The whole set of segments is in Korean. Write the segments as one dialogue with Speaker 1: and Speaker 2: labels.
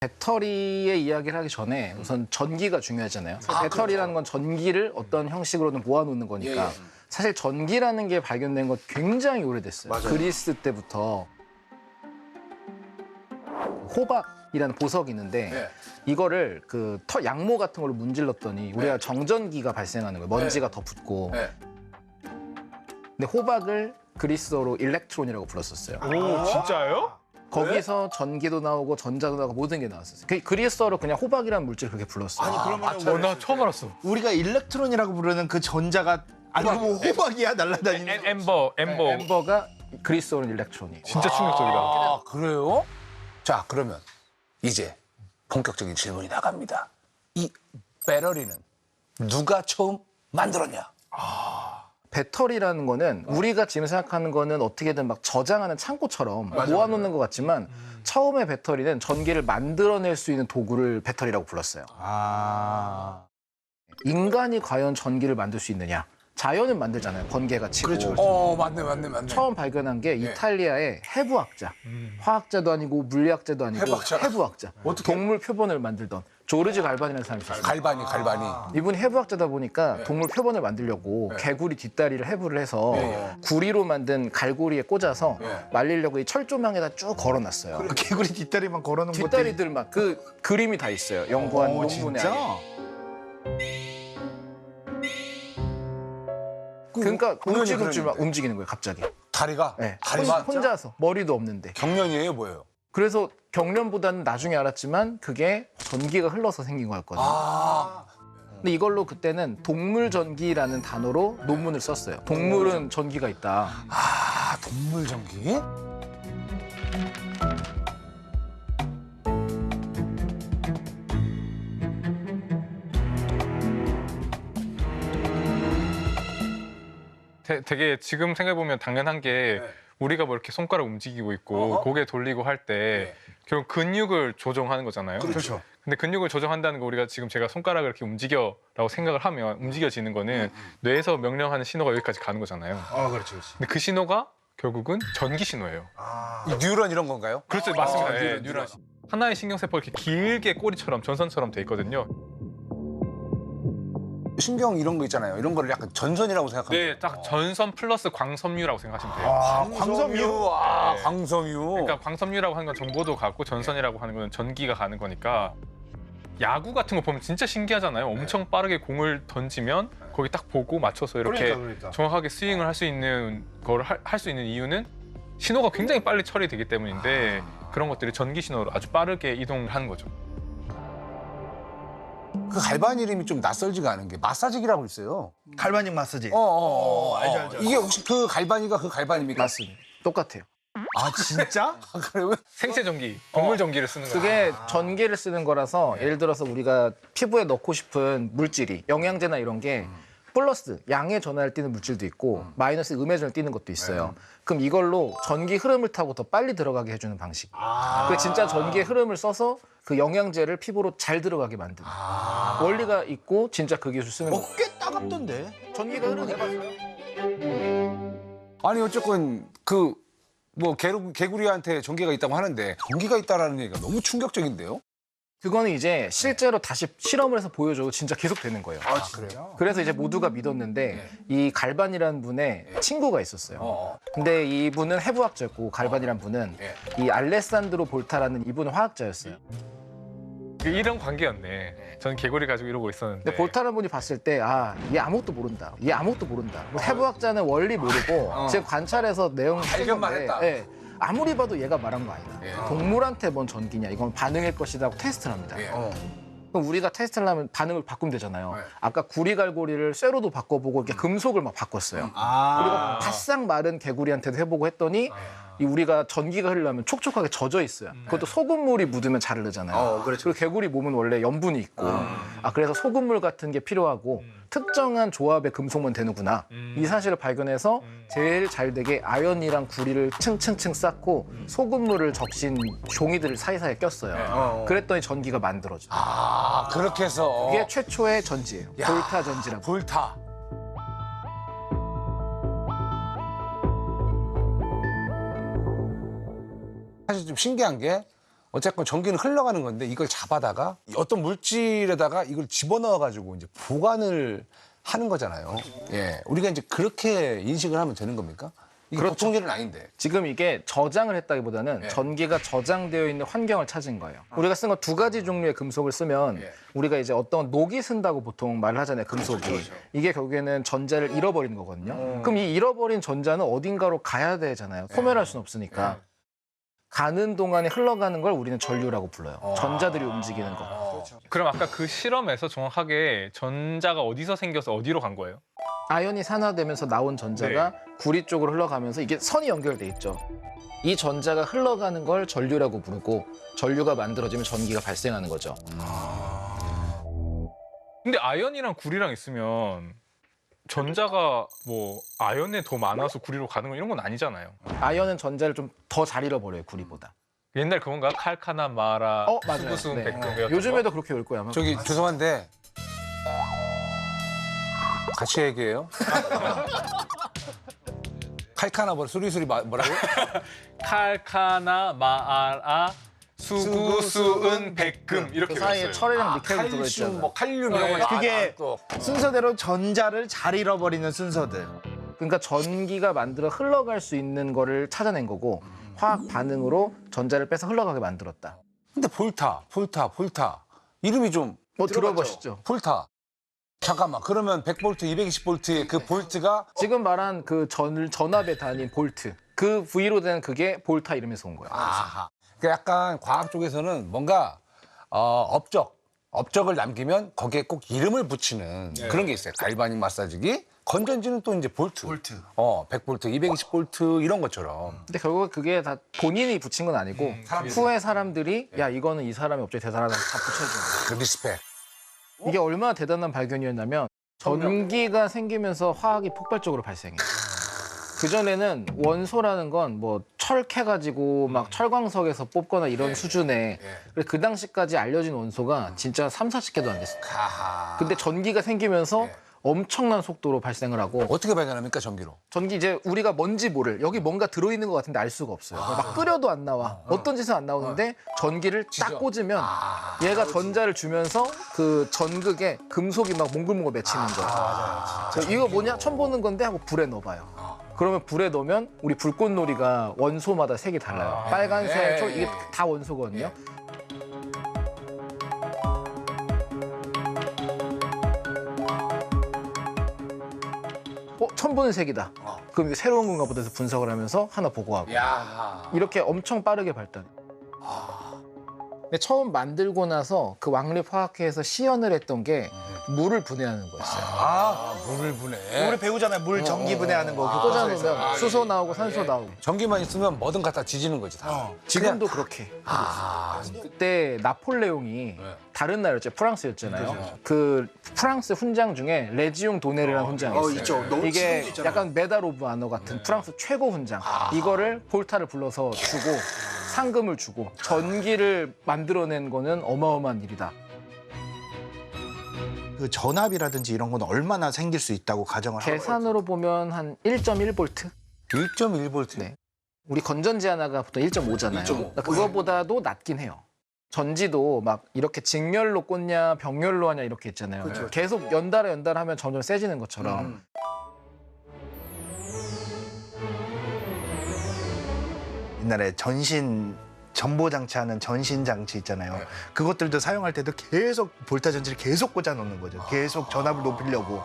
Speaker 1: 배터리의 이야기를 하기 전에 우선 전기가 중요하잖아요. 배터리라는 건 전기를 어떤 형식으로든 모아놓는 거니까 사실 전기라는 게 발견된 건 굉장히 오래됐어요. 그리스 때부터 호박이라는 보석이 있는데 이거를 그 양모 같은 걸로 문질렀더니 우리가 정전기가 발생하는 거예요. 먼지가 더 붙고. 근데 호박을 그리스어로 일렉트론이라고 불렀었어요.
Speaker 2: 오, 진짜요?
Speaker 1: 거기서 전기도 나오고 전자도 나오고 모든 게 나왔었어요. 그리스어로 그냥 호박이라는 물질을 그렇게 불렀어요.
Speaker 3: 아니 그러면
Speaker 2: 나 처음 알았어.
Speaker 3: 우리가 일렉트론이라고 부르는 그 전자가 아니 뭐 호박이야 날라다니는.
Speaker 1: 엠버가 그리스어로는 일렉트론이.
Speaker 2: 진짜 충격적이다.
Speaker 4: 아, 그래요? 자, 그러면 이제 본격적인 질문이 나갑니다. 이 배터리는 누가 처음 만들었냐?
Speaker 1: 배터리라는 거는 우리가 지금 생각하는 거는 어떻게든 막 저장하는 창고처럼 모아놓는 것 같지만 처음에 배터리는 전기를 만들어낼 수 있는 도구를 배터리라고 불렀어요. 인간이 과연 전기를 만들 수 있느냐? 자연은 만들잖아요. 번개가 치고.
Speaker 4: 맞네.
Speaker 1: 처음 발견한 게 이탈리아의 해부학자. 화학자도 아니고 물리학자도 아니고 해부학자. 동물 표본을 만들던 조르지 갈반이라는 사람이 있었어요.
Speaker 4: 갈바니.
Speaker 1: 이분이 해부학자다 보니까 동물 표본을 만들려고 개구리 뒷다리를 해부를 해서 구리로 만든 갈고리에 꽂아서 말리려고 이 철조망에다 쭉 걸어놨어요.
Speaker 3: 그 개구리 뒷다리만 걸어놓은 것도.
Speaker 1: 뒷다리들만 그 그림이 다 있어요. 연구한 논문에.
Speaker 3: 진짜?
Speaker 1: 그러니까 움직일 줄만 움직이는 거예요, 갑자기.
Speaker 4: 다리가?
Speaker 1: 네.
Speaker 4: 다리가?
Speaker 1: 혼자서 머리도 없는데.
Speaker 4: 경련이에요, 뭐예요?
Speaker 1: 그래서 경련보다는 나중에 알았지만 그게 전기가 흘러서 생긴 거였거든요. 근데 이걸로 그때는 동물전기라는 단어로 논문을 썼어요. 동물은 전기가 있다.
Speaker 4: 동물 전기?
Speaker 2: 되게 지금 생각해보면 당연한 게 우리가 뭐 이렇게 손가락 움직이고 있고 고개 돌리고 할 때 결국 근육을 조정하는 거잖아요.
Speaker 4: 그렇죠.
Speaker 2: 근데 근육을 조정한다는 거 우리가 지금 제가 손가락을 이렇게 움직여라고 생각을 하면 움직여지는 거는 뇌에서 명령하는 신호가 여기까지 가는 거잖아요.
Speaker 4: 그렇지.
Speaker 2: 근데 그 신호가 결국은 전기 신호예요.
Speaker 4: 이 뉴런 이런 건가요?
Speaker 2: 그렇죠, 맞습니다. 뉴런. 하나의 신경세포가 이렇게 길게 꼬리처럼 전선처럼 돼 있거든요.
Speaker 4: 신경 이런 거 있잖아요. 이런 거를 약간 전선이라고 생각하면
Speaker 2: 네, 딱 전선 플러스 광섬유라고 생각하시면 돼요.
Speaker 4: 광섬유. 광섬유.
Speaker 2: 그러니까 광섬유라고 하는 건 정보도 가고 전선이라고 하는 건 전기가 가는 거니까 야구 같은 거 보면 진짜 신기하잖아요. 엄청 빠르게 공을 던지면 거기 딱 보고 맞춰서 이렇게
Speaker 3: 그러니까.
Speaker 2: 정확하게 스윙을 할 수 있는 걸 할 수 있는 이유는 신호가 굉장히 빨리 처리되기 때문인데 그런 것들이 전기 신호로 아주 빠르게 이동을 하는 거죠.
Speaker 4: 그 갈바니 이름이 좀 낯설지가 않은 게 마사지기라고 있어요.
Speaker 3: 갈바닉 마사지.
Speaker 4: 알죠. 이게 혹시 그 갈바니가 그 갈바니입니까?
Speaker 1: 맞습니다. 똑같아요.
Speaker 3: 아 진짜?
Speaker 4: 그러면
Speaker 2: 생체 전기, 동물 전기를 쓰는 거예요.
Speaker 1: 그게 전기를 쓰는 거라서 예를 들어서 우리가 피부에 넣고 싶은 물질이 영양제나 이런 게 플러스 양의 전하를 띠는 물질도 있고 마이너스 음의 전을 띠는 것도 있어요. 그럼 이걸로 전기 흐름을 타고 더 빨리 들어가게 해주는 방식. 그 진짜 전기의 흐름을 써서 그 영양제를 피부로 잘 들어가게 만드는 원리가 있고 진짜 그 기술 쓰는 거예요.
Speaker 3: 꽤 따갑던데.
Speaker 1: 전기가 흐르니까.
Speaker 4: 아니 어쨌건 그 뭐 개구리한테 전기가 있다고 하는데 전기가 있다라는 얘기가 너무 충격적인데요?
Speaker 1: 그거는 이제 실제로 다시 실험을 해서 보여줘도 진짜 계속 되는 거예요.
Speaker 4: 그래요?
Speaker 1: 그래서 이제 모두가 믿었는데 이 갈반이라는 분의 친구가 있었어요. 근데 이분은 해부학자였고 갈반이란 분은 이 알레산드로 볼타라는 이분은 화학자였어요.
Speaker 2: 이런 관계였네. 전 개구리 가지고 이러고 있었는데.
Speaker 1: 근데 볼타라는 분이 봤을 때 얘 아무것도 모른다. 얘 아무것도 모른다. 뭐 해부학자는 원리 모르고 지금 관찰해서 내용
Speaker 4: 발견만
Speaker 1: 쓰는데,
Speaker 4: 했다.
Speaker 1: 예, 아무리 봐도 얘가 말한 거 아니다. 동물한테 뭔 전기냐. 이건 반응일 것이다 하고 테스트를 합니다. 그럼 우리가 테스트를 하면 반응을 바꾸면 되잖아요. 아까 구리갈고리를 쇠로도 바꿔보고 이렇게 금속을 막 바꿨어요. 그리고 바싹 마른 개구리한테도 해보고 했더니 이 우리가 전기가 흐르려면 촉촉하게 젖어 있어요. 그것도 소금물이 묻으면 잘 흐르잖아요. 그리고 개구리 몸은 원래 염분이 있고 그래서 소금물 같은 게 필요하고 특정한 조합의 금속만 되는구나. 이 사실을 발견해서 제일 잘 되게 아연이랑 구리를 층층층 쌓고 소금물을 적신 종이들을 사이사이에 꼈어요. 그랬더니 전기가 만들어져요.
Speaker 4: 그렇게 해서
Speaker 1: 이게 최초의 전지예요. 볼타 전지라고.
Speaker 4: 볼타. 사실 좀 신기한 게 어쨌건 전기는 흘러가는 건데 이걸 잡아다가 어떤 물질에다가 이걸 집어넣어 가지고 이제 보관을 하는 거잖아요. 예, 우리가 이제 그렇게 인식을 하면 되는 겁니까? 이게 보통 일은 아닌데.
Speaker 1: 지금 이게 저장을 했다기보다는 전기가 저장되어 있는 환경을 찾은 거예요. 우리가 쓴 건 두 가지 종류의 금속을 쓰면 우리가 이제 어떤 녹이 쓴다고 보통 말을 하잖아요. 금속이. 이게 결국에는 전자를 잃어버리는 거거든요. 그럼 이 잃어버린 전자는 어딘가로 가야 되잖아요. 소멸할 수는 없으니까. 가는 동안에 흘러가는 걸 우리는 전류라고 불러요. 전자들이 움직이는 거.
Speaker 2: 그럼 아까 그 실험에서 정확하게 전자가 어디서 생겨서 어디로 간 거예요?
Speaker 1: 아연이 산화되면서 나온 전자가 구리 쪽으로 흘러가면서 이게 선이 연결돼 있죠. 이 전자가 흘러가는 걸 전류라고 부르고 전류가 만들어지면 전기가 발생하는 거죠.
Speaker 2: 근데 아연이랑 구리랑 있으면 전자가 뭐 아연에 더 많아서 구리로 가는 건 이런 건 아니잖아요.
Speaker 1: 아연은 전자를 좀 더 잘 잃어버려요, 구리보다.
Speaker 2: 옛날 그건가? 칼카나 마라,
Speaker 1: 맞아요.
Speaker 2: 수구수은
Speaker 1: 네.
Speaker 2: 백금.
Speaker 1: 요즘에도 그렇게 올 거야. 아마.
Speaker 4: 저기 죄송한데 같이 얘기해요. 칼카나 뭐 수리수리 뭐라고?
Speaker 2: 칼카나 마라, 수구수은 백금 이렇게
Speaker 1: 그 사이에
Speaker 2: 외웠어요.
Speaker 1: 철이랑 니켈도
Speaker 4: 칼슘,
Speaker 1: 들어있잖아요.
Speaker 4: 뭐 칼륨 이런 거.
Speaker 3: 그게
Speaker 4: 또
Speaker 3: 순서대로 전자를 잘 잃어버리는 순서들.
Speaker 1: 그러니까 전기가 만들어 흘러갈 수 있는 거를 찾아낸 거고 화학 반응으로 전자를 빼서 흘러가게 만들었다.
Speaker 4: 근데 볼타 이름이 좀
Speaker 1: 뭐 들어보시죠.
Speaker 4: 볼타. 잠깐만. 그러면 100볼트, 220볼트의 그 볼트가
Speaker 1: 지금 말한 그 전압의 단위인 볼트. 그 V로 된 그게 볼타 이름에서 온 거예요.
Speaker 4: 아하. 그러니까 약간 과학 쪽에서는 뭔가 업적을 남기면 거기에 꼭 이름을 붙이는 그런 게 있어요. 갈바닉 마사지기, 건전지는 또 이제 볼트. 100볼트, 220볼트 이런 것처럼.
Speaker 1: 근데 결국 그게 다 본인이 붙인 건 아니고 후에 사람들이 야 이거는 이 사람이 업적이 대단하다고 다 붙여준 거예요.
Speaker 4: 그 리스펙.
Speaker 1: 이게 얼마나 대단한 발견이었냐면 전기가 생기면서 화학이 폭발적으로 발생해요. 그전에는 원소라는 건 뭐 철캐가지고 막 철광석에서 뽑거나 이런 수준의 그래서 그 당시까지 알려진 원소가 진짜 3, 40개도 안 됐어요. 근데 전기가 생기면서 엄청난 속도로 발생을 하고
Speaker 4: 어떻게 발견합니까, 전기로?
Speaker 1: 전기 이제 우리가 뭔지 모를 여기 뭔가 들어있는 것 같은데 알 수가 없어요. 막 끓여도 안 나와. 어떤 짓은 안 나오는데 전기를 딱 꽂으면 얘가 전자를 주면서 그 전극에 금속이 막 몽글몽글 맺히는 거예요. 그래서 이거 뭐냐? 처음 보는 건데 하고 불에 넣어봐요. 그러면 불에 넣으면 우리 불꽃놀이가 원소마다 색이 달라요. 빨간색, 초 이게 다 원소거든요. 처음 보는 색이다. 그럼 이게 새로운 건가 보다 해서 분석을 하면서 하나 보고하고. 이렇게 엄청 빠르게 발달. 근데 처음 만들고 나서 그 왕립화학회에서 시연을 했던 게 물을 분해하는 거였어요.
Speaker 4: 물을 분해.
Speaker 3: 우리 배우잖아요. 물 전기 분해하는 거. 그거
Speaker 1: 꽂아놓으면 수소 나오고 산소 나오고.
Speaker 4: 전기만 있으면 뭐든 갖다 지지는 거지, 다.
Speaker 1: 지금도 그렇게. 그때 나폴레옹이 다른 나라였죠. 프랑스였잖아요. 그 프랑스 훈장 중에 레지옹 도네르라는 훈장이 있어요.
Speaker 3: 있죠. 너무
Speaker 1: 이게
Speaker 3: 지금도 있잖아요.
Speaker 1: 약간 메달 오브 아너 같은 프랑스 최고 훈장. 이거를 볼타를 불러서 주고 상금을 주고 전기를 만들어낸 거는 어마어마한 일이다.
Speaker 3: 그 전압이라든지 이런 건 얼마나 생길 수 있다고 가정을 하고
Speaker 1: 계산으로 보면 한 1.1볼트?
Speaker 4: 1.1볼트.
Speaker 1: 네. 우리 건전지 하나가 보통 1.5잖아요. 그러니까 그거보다도 낮긴 해요. 전지도 막 이렇게 직렬로 꽂냐 병렬로 하냐 이렇게 있잖아요. 계속 연달아 하면 점점 세지는 것처럼.
Speaker 3: 옛날에 전보 장치하는 전신 장치 있잖아요. 그것들도 사용할 때도 계속 볼타 전지를 계속 꽂아 놓는 거죠. 계속 전압을 높이려고.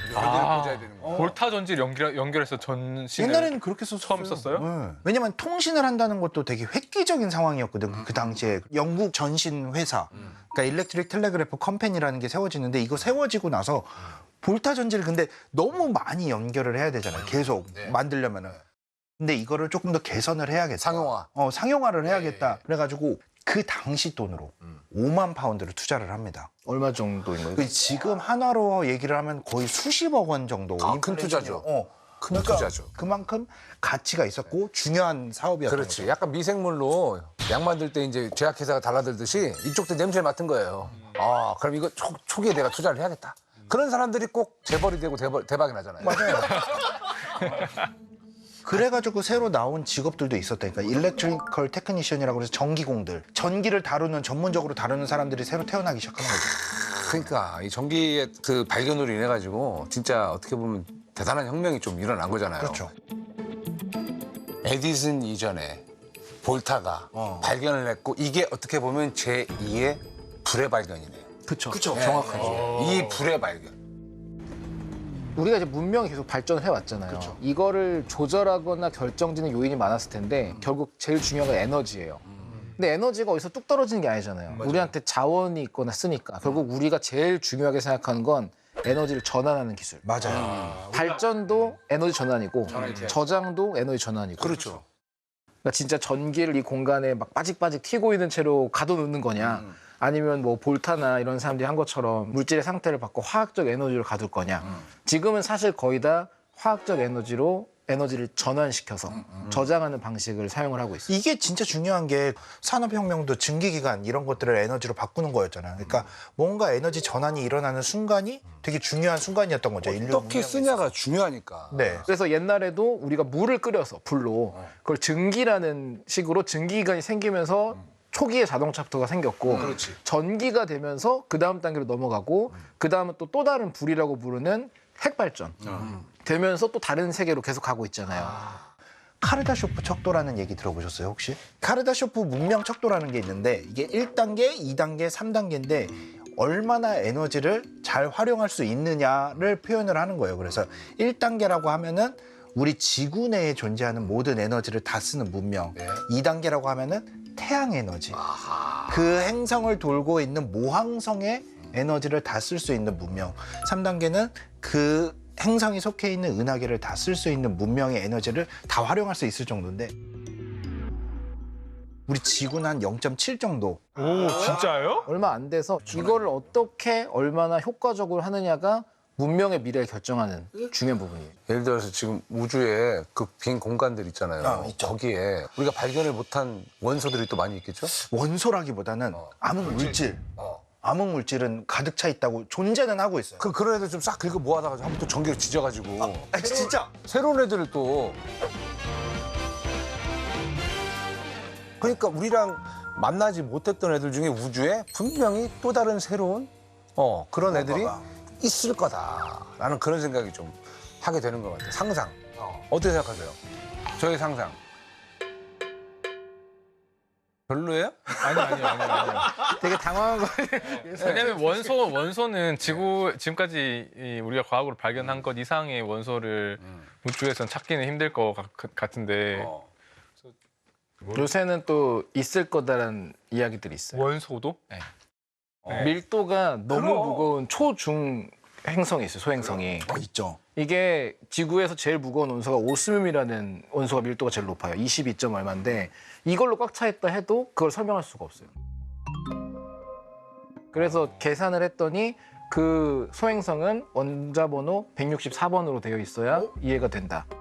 Speaker 2: 볼타 전지를 연결해서 전신을
Speaker 3: 옛날에는 그렇게 썼어요.
Speaker 2: 처음 썼어요?
Speaker 3: 네. 왜냐면 통신을 한다는 것도 되게 획기적인 상황이었거든. 그 당시에 영국 전신 회사, 그러니까 일렉트릭 텔레그래프 컴퍼니라는 게 세워지는데 이거 세워지고 나서 볼타 전지를 근데 너무 많이 연결을 해야 되잖아요. 계속 만들려면은. 근데 이거를 조금 더 개선을 해야겠다.
Speaker 4: 상용화.
Speaker 3: 상용화를 해야겠다. 그래가지고 그 당시 돈으로 5만 파운드를 투자를 합니다.
Speaker 1: 얼마 정도인 거예요?
Speaker 3: 그 지금 한화로 얘기를 하면 거의 수십억 원 정도.
Speaker 4: 큰 투자죠. 큰
Speaker 3: 그러니까
Speaker 4: 투자죠.
Speaker 3: 그만큼 가치가 있었고 중요한 사업이었던
Speaker 4: 그렇지.
Speaker 3: 거죠.
Speaker 4: 약간 미생물로 약 만들 때 이제 제약회사가 달라들듯이 이쪽도 냄새 맡은 거예요. 그럼 이거 초기에 내가 투자를 해야겠다. 그런 사람들이 꼭 재벌이 되고 대박이 나잖아요.
Speaker 3: 맞아요. 그래가지고 새로 나온 직업들도 있었다니까. 일렉트리컬 테크니션이라고 해서 전기공들, 전기를 다루는 전문적으로 다루는 사람들이 새로 태어나기 시작하는 거죠.
Speaker 4: 그러니까 이 전기의 그 발견으로 인해 가지고 진짜 어떻게 보면 대단한 혁명이 좀 일어난 거잖아요.
Speaker 3: 그렇죠.
Speaker 4: 에디슨 이전에 볼타가 발견을 했고 이게 어떻게 보면 제2의 불의 발견이네요.
Speaker 1: 그렇죠.
Speaker 3: 그쵸.
Speaker 1: 정확하죠.
Speaker 4: 이 불의 발견.
Speaker 1: 우리가 이제 문명이 계속 발전을 해왔잖아요. 이거를 조절하거나 결정짓는 요인이 많았을 텐데 결국 제일 중요한 건 에너지예요. 근데 에너지가 어디서 뚝 떨어지는 게 아니잖아요. 우리한테 자원이 있거나 쓰니까 결국 우리가 제일 중요하게 생각하는 건 에너지를 전환하는 기술.
Speaker 3: 맞아요.
Speaker 1: 발전도 에너지 전환이고 저장도 에너지 전환이고.
Speaker 4: 그렇죠.
Speaker 1: 그러니까 진짜 전기를 이 공간에 막 빠직빠직 튀고 있는 채로 가둬놓는 거냐 아니면 뭐 볼타나 이런 사람들이 한 것처럼 물질의 상태를 바꿔 화학적 에너지를 가둘 거냐. 지금은 사실 거의 다 화학적 에너지로 에너지를 전환시켜서 저장하는 방식을 사용을 하고 있어요.
Speaker 3: 이게 진짜 중요한 게 산업혁명도 증기기관 이런 것들을 에너지로 바꾸는 거였잖아요. 그러니까 뭔가 에너지 전환이 일어나는 순간이 되게 중요한 순간이었던 거죠. 인류
Speaker 4: 어떻게
Speaker 3: 문명에서.
Speaker 4: 쓰냐가 중요하니까.
Speaker 3: 네.
Speaker 1: 그래서 옛날에도 우리가 물을 끓여서 불로 그걸 증기라는 식으로 증기기관이 생기면서 초기에 자동차부터가 생겼고
Speaker 4: 그렇지.
Speaker 1: 전기가 되면서 그 다음 단계로 넘어가고 그 다음은 또 다른 불이라고 부르는 핵발전 되면서 또 다른 세계로 계속 가고 있잖아요.
Speaker 3: 카르다쇼프 척도라는 얘기 들어보셨어요, 혹시? 카르다쇼프 문명 척도라는 게 있는데 이게 1단계, 2단계, 3단계인데 얼마나 에너지를 잘 활용할 수 있느냐를 표현을 하는 거예요. 그래서 1단계라고 하면은 우리 지구 내에 존재하는 모든 에너지를 다 쓰는 문명. 2단계라고 하면은 태양 에너지. 그 행성을 돌고 있는 모항성의 에너지를 다 쓸 수 있는 문명. 3단계는 그 행성이 속해 있는 은하계를 다 쓸 수 있는 문명의 에너지를 다 활용할 수 있을 정도인데 우리 지구는 한 0.7 정도.
Speaker 2: 오, 진짜요?
Speaker 1: 얼마 안 돼서 이거를 어떻게 얼마나 효과적으로 하느냐가 문명의 미래를 결정하는 중요한 부분이에요.
Speaker 4: 예를 들어서 지금 우주에 그 빈 공간들 있잖아요.
Speaker 3: 있죠.
Speaker 4: 거기에 우리가 발견을 못한 원소들이 또 많이 있겠죠?
Speaker 3: 원소라기보다는 암흑 물질. 암흑 물질은 가득 차 있다고 존재는 하고 있어요.
Speaker 4: 그런 애들 좀 싹 긁어 모아다가 한번 또 전기를 지져가지고
Speaker 3: 진짜?
Speaker 4: 새로운 애들을 또 그러니까 우리랑 만나지 못했던 애들 중에 우주에 분명히 또 다른 새로운 그런 애들이 있을 거다라는 그런 생각이 좀 하게 되는 것 같아요. 상상. 어떻게 생각하세요? 저의 상상. 별로예요?
Speaker 2: 아니요.
Speaker 1: 되게 당황한 거예요.
Speaker 2: 왜냐면 원소는 지금까지 우리가 과학으로 발견한 것 이상의 원소를 우주에선 찾기는 힘들 것 같은데
Speaker 1: 요새는 또 있을 거다라는 이야기들이 있어요.
Speaker 2: 원소도?
Speaker 1: 네. 밀도가 너무 무거운 초중 행성이 있어요. 소행성이.
Speaker 3: 있죠.
Speaker 1: 이게 지구에서 제일 무거운 원소가 오스뮴이라는 원소가 밀도가 제일 높아요. 22점 얼마인데 이걸로 꽉 차 있다 해도 그걸 설명할 수가 없어요. 그래서 계산을 했더니 그 소행성은 원자 번호 164번으로 되어 있어야 이해가 된다.